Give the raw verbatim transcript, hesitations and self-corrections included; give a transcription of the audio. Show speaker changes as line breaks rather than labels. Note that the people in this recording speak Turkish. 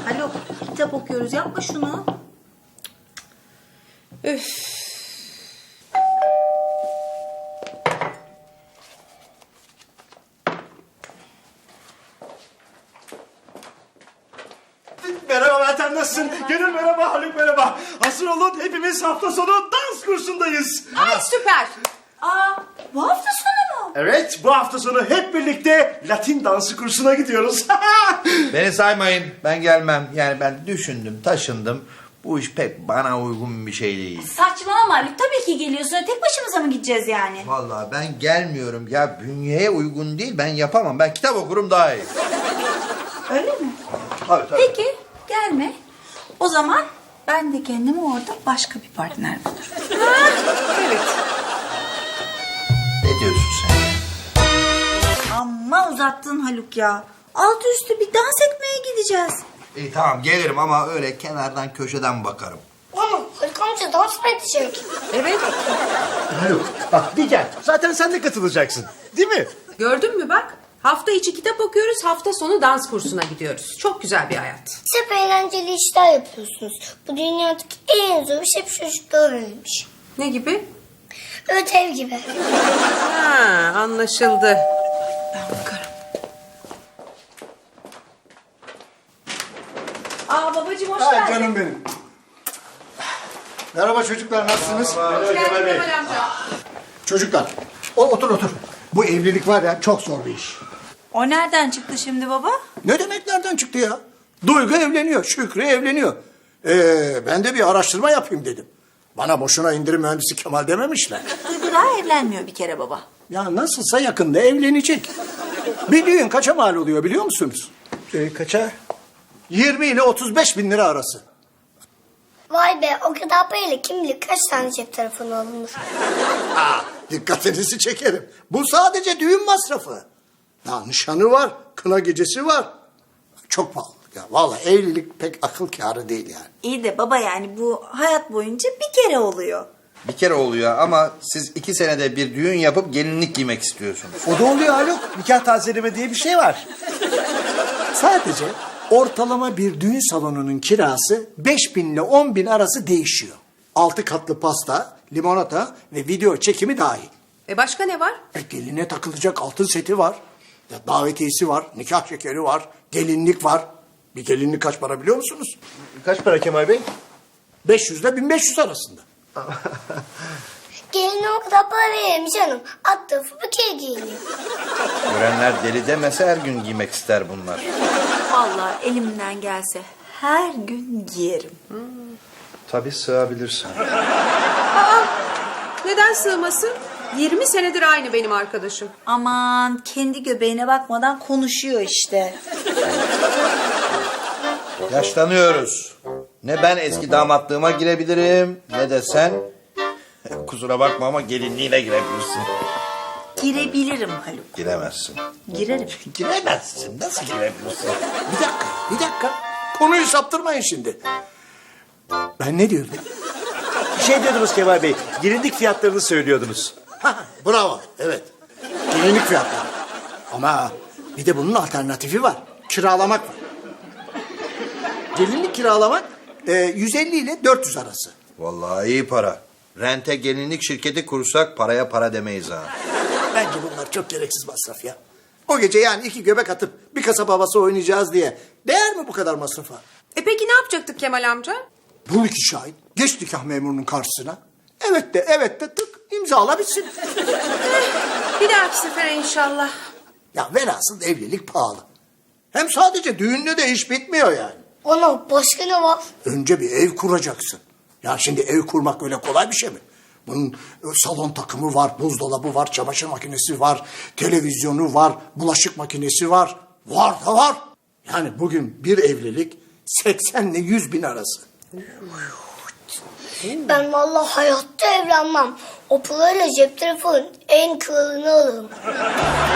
Haluk, kitap okuyoruz. Yapma şunu.
Üf.
Merhaba Meltem, nasılsın? Gönül merhaba, Haluk merhaba. Hazır olun, hepimiz hafta sonu dans kursundayız.
Ay süper.
Aa, bu hafta sonu mu?
Evet, bu hafta sonu hep birlikte Latin dansı kursuna gidiyoruz.
Beni saymayın. Ben gelmem. Yani ben düşündüm, taşındım. Bu iş pek bana uygun bir şey değil.
Saçmalama Haluk. Tabii ki geliyorsun. Tek başımıza mı gideceğiz yani?
Vallahi ben gelmiyorum. Ya bünyeye uygun değil. Ben yapamam. Ben kitap okurum daha iyi.
Öyle mi?
Tabii tabii.
Peki, gelme. O zaman ben de kendime orada başka bir partner bulurum.
Evet.
Ne diyorsun sen?
Amma uzattın Haluk ya. Altı üstü bir dans etmeye gideceğiz.
İyi tamam gelirim ama öyle kenardan köşeden bakarım.
Ama Haluk amca dans mı edecek?
Evet.
Haluk, bak bir gel. Zaten sen de katılacaksın, değil mi?
Gördün mü bak? Hafta içi kitap okuyoruz, hafta sonu dans kursuna gidiyoruz. Çok güzel bir hayat.
Siz hep eğlenceli işler yapıyorsunuz. Bu dünyadaki en zor iş hep çocuklara verilmiş.
Ne gibi?
Ödev gibi.
Ha, anlaşıldı.
Ben bakarım. Aa babacığım hoş
Ha,
geldin.
canım benim. Merhaba çocuklar, nasılsınız?
Hoş geldin Kemal amca.
Çocuklar, o, otur otur. Bu evlilik var ya, çok zor bir iş.
O nereden çıktı şimdi baba?
Ne demek nereden çıktı ya? Duygu evleniyor, Şükrü evleniyor. Ee, ben de bir araştırma yapayım dedim. Bana boşuna indirim mühendisi Kemal dememişler.
Duygu daha evlenmiyor bir kere baba.
Ya nasılsa yakında evlenecek. Bir düğün kaça mal oluyor biliyor musunuz?
Ee, kaça?
yirmi ile otuz beş bin lira arası.
Vay be, o kadar parayla kim bilir kaç tane cep telefonu alınır.
Aa, dikkatinizi çekerim. Bu sadece düğün masrafı. Ya nişanı var, kına gecesi var. Çok pahalı. Ya vallahi evlilik pek akıl kârı değil yani.
İyi de baba yani bu hayat boyunca bir kere oluyor.
Bir kere oluyor ama siz iki senede bir düğün yapıp gelinlik giymek istiyorsunuz.
O da oluyor Haluk. Nikah tazeleme diye bir şey var.
Sadece ortalama bir düğün salonunun kirası beş bin ile on bin arası değişiyor. Altı katlı pasta, limonata ve video çekimi dahil.
E başka ne var?
E, geline takılacak altın seti var. Ya, davetiyesi var, nikah şekeri var, gelinlik var. Bir gelinlik kaç para biliyor musunuz?
Kaç para Kemal Bey?
beş yüz ile bin beş yüz arasında.
Geline o kadar para verelim canım. Alt tarafı bir kere giyiniyor.
Görenler deli demese her gün giymek ister bunlar.
Vallahi elimden gelse her gün giyerim.
Tabii sığabilirsin.
Neden sığmasın? yirmi senedir aynı benim arkadaşım.
Aman kendi göbeğine bakmadan konuşuyor işte.
Yaşlanıyoruz. Ne ben eski damatlığıma girebilirim ne de sen. Kusura bakma ama gelinliğine girebilirsin.
Girebilirim Haluk.
Giremezsin.
Girerim.
Giremezsin. Nasıl girebilirsin?
Bir dakika, bir dakika. Konuyu saptırmayın şimdi. Ben ne diyordum?
Bir şey diyordunuz Kemal Bey. Gelinlik fiyatlarını söylüyordunuz.
Ha, bravo, evet. Gelinlik fiyatları. Ama bir de bunun alternatifi var. Kiralamak var. Gelinlik kiralamak e, yüz elli ile dört yüz arası.
Vallahi iyi para. Rente gelinlik şirketi kursak paraya para demeyiz ha.
Bence bunlar çok gereksiz masraf ya. O gece yani iki göbek atıp bir kasap havası oynayacağız diye. Değer mi bu kadar masrafa?
E peki ne yapacaktık Kemal amca?
Bul iki şahit. Geç nikah memurunun karşısına. Evet de evet de tık imzala bitsin.
Bir dahaki sefere inşallah.
Ya velhasıl evlilik pahalı. Hem sadece düğünle de iş bitmiyor yani.
Ana başka ne var?
Önce bir ev kuracaksın. Ya şimdi ev kurmak öyle kolay bir şey mi? Bunun e, salon takımı var, buzdolabı var, çamaşır makinesi var, televizyonu var, bulaşık makinesi var. Var da var. Yani bugün bir evlilik seksen ile yüz bin arası.
Ben vallahi hayatta evlenmem. O parayla cep telefonun en kralını alırım.